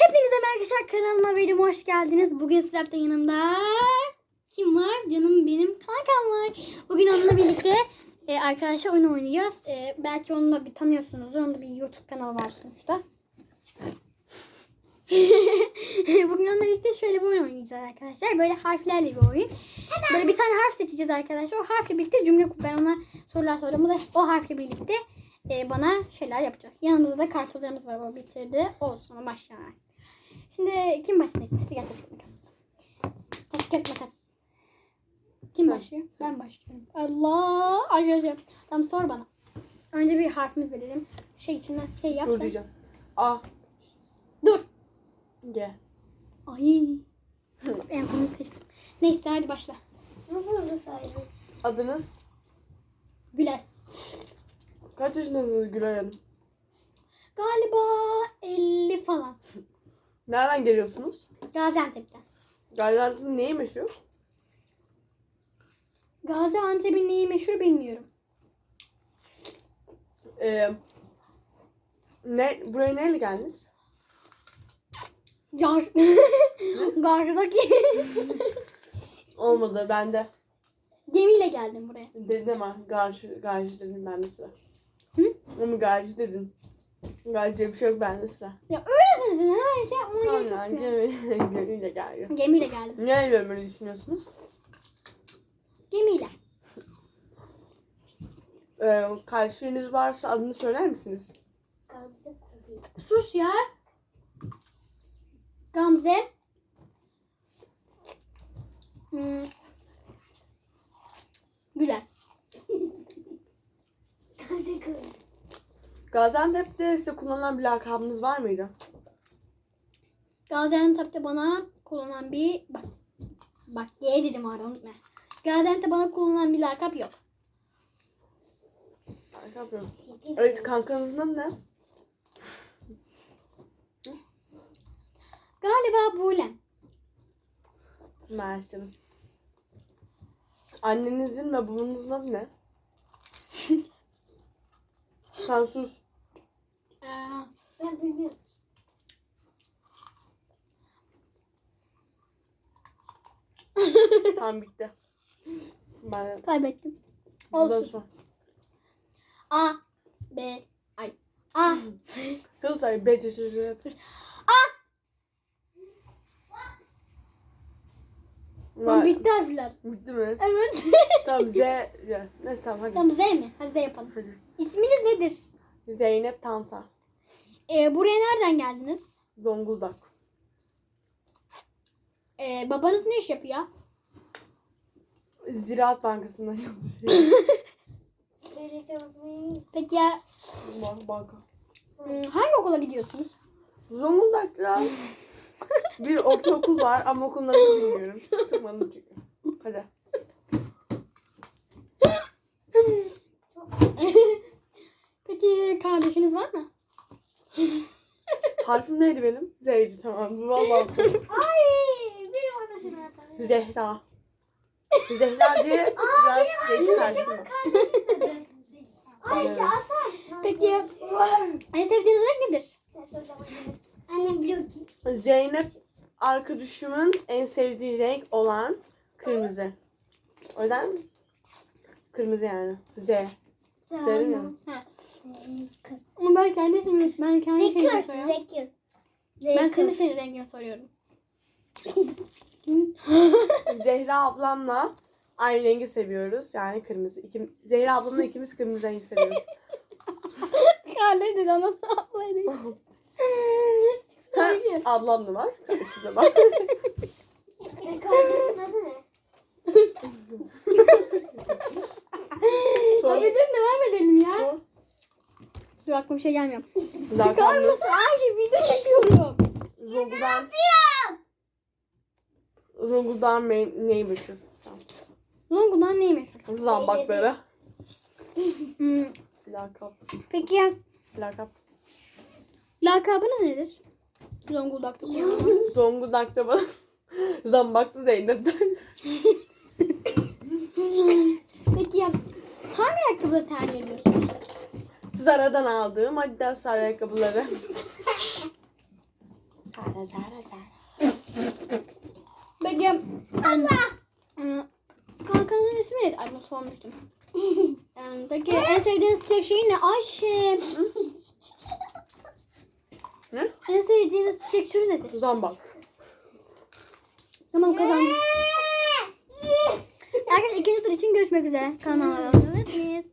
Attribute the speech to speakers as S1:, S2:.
S1: Hepinize merhaba kanalıma videoma hoş geldiniz. Bugün sizlerle yanımda kim var? Canım benim kankam var. Bugün onunla birlikte arkadaşlar oyun oynayacağız. Belki onu da bir tanıyorsunuzdur. Onun da bir YouTube kanalı var sonuçta. Bugün onunla birlikte şöyle bir oyun oynayacağız arkadaşlar. Böyle harflerle bir oyun. Böyle bir tane harf seçeceğiz arkadaşlar. O harfle birlikte cümle kurup ben ona sorular soracağım. O da o harfle birlikte bana şeyler yapacak. Yanımızda da karpuzlarımız var. O bitirdi. Olsun ama başlayalım. Şimdi kim başlayacak? Gel taş kağıt makas. Taş kağıt makas. Kim başlıyor? Ben başlıyorum. Allah! Arkadaşlar. Tamam sor bana. Önce bir harfimiz verelim. Şey içinden şey yapsan.
S2: Dur diyeceğim. A.
S1: Dur.
S2: G.
S1: Ay. En sonunu seçtim. Neyse hadi başla.
S3: Nasıl hızlı saydın?
S2: Adınız?
S1: Güler.
S2: Kaç yaşındasınız Gülay Hanım?
S1: Galiba 50 falan.
S2: Nereden geliyorsunuz?
S1: Gaziantep'ten.
S2: Gaziantep'in neyi meşhur?
S1: Gaziantep'in neyi meşhur bilmiyorum.
S2: Buraya neyle geldiniz?
S1: Karşıdaki
S2: Olmadı bende.
S1: gemiyle geldim buraya.
S2: Dedim ama garaj dedim bende sıra.
S1: Hı?
S2: Ama garaj dedin. Garaj diye bir şey yok bende sıra.
S1: Ya öylesiniz her şey ona gerek
S2: Aynen
S1: yok ya.
S2: gemiyle geldi.
S1: Gemiyle geldim.
S2: Neyle böyle düşünüyorsunuz?
S1: Gemiyle.
S2: Karşınız varsa adını söyler misiniz?
S3: Gamze Kubi.
S1: Sus ya. Gamze. Güler.
S3: Gamze Kubi.
S2: Gaziantep'te size kullanılan bir lakabınız var mıydı?
S1: Gaziantep'te bana kullanılan bir bak G dedim orada unutma. Gaziantep'te bana kullanılan bir lakap yok.
S2: Lakap yok. Evet, kankanızın adı ne?
S1: Galiba Buğlem.
S2: Mersi. Annenizin ve babanızın adı ne? Sen sus.
S3: Ben bilmiyorum.
S2: Tamam bitti. Ben
S1: Kaybettim.
S2: bundan
S1: Olsun.
S2: sonra.
S1: A B ay A
S2: Kız say B çeşitli yapır.
S1: Lan bitti harfler.
S2: Bitti mi?
S1: Evet.
S2: Tamam Z. Ya. Neyse tamam hadi.
S1: Tamam Z mi? Hadi Z yapalım.
S2: Hadi.
S1: İsminiz nedir?
S2: Zeynep Tanta.
S1: Buraya nereden geldiniz?
S2: Zonguldak.
S1: Babanız ne iş yapıyor?
S2: Ziraat Bankası'nda çalışıyor.
S3: Böyle çalışmayı.
S1: Peki ya
S2: Banka.
S1: hangi okula gidiyorsunuz?
S2: Zonguldak'ta bir ortaokul var ama okulun adını bilmiyorum. Çok bana çünkü. Hadi.
S1: Peki kardeşiniz var mı?
S2: Harfim neydi benim? Z'ydi tamam. Vallahi.
S3: Ay! Benim arkadaşım zaten.
S2: Zehra. Zehra diye biraz değişik harfim var.
S3: Kardeşim dedi. Ayşe
S2: Evet.
S3: asar.
S1: Peki en sevdiğiniz renk nedir?
S3: Annem biliyor ki.
S2: Zeynep arkadaşımın en sevdiği renk olan kırmızı. O yüzden kırmızı yani. Z. Derim ya.
S1: Ha. Ama ben kendi ismimi, ben kendi şeyimi
S3: Zekir.
S1: soruyorum.
S3: Zekir.
S1: Ben kendi şeyin rengini soruyorum.
S2: Zehra ablamla aynı rengi seviyoruz. Yani kırmızı. Zehra ablamla ikimiz kırmızı rengi seviyoruz.
S1: Kardeş dedi ama ablaydı. Kardeşim.
S2: Ablam da var. Kardeşim de var.
S3: Kardeşin adı ne?
S2: Sor.
S1: Hadi dur devam edelim ya.
S2: Sor.
S1: Dur aklıma bir şey gelmiyor. Çıkar
S2: Zaten
S1: mısın? Her şey video çekiyorum.
S2: Zonguldak'ın neyi meşhur? Tamam.
S1: Zonguldak'ın neyi meşhur?
S2: Zambakları.
S1: Hmm,
S2: Lakap.
S1: Peki ya
S2: Lakap.
S1: lakabınız nedir? Zonguldak'ta kullanılan.
S2: Zonguldak'ta bana Zambaklı Zeynep'ten.
S1: Peki ya hangi ayakkabıları tercih ediyorsunuz?
S2: Zara'dan aldığım Adidas ayakkabıları. Zara.
S1: Peki. Kankanın ismi neydi? Ay bunu sormuştum. Peki en sevdiğiniz çiçek şeyi ne? Ayşe.
S2: Ne?
S1: En sevdiğiniz çiçek türü nedir?
S2: Zambak.
S1: Tamam kazandım. Arkadaşlar ikinci tur için görüşmek üzere. Kanalıma abone olabilirsiniz.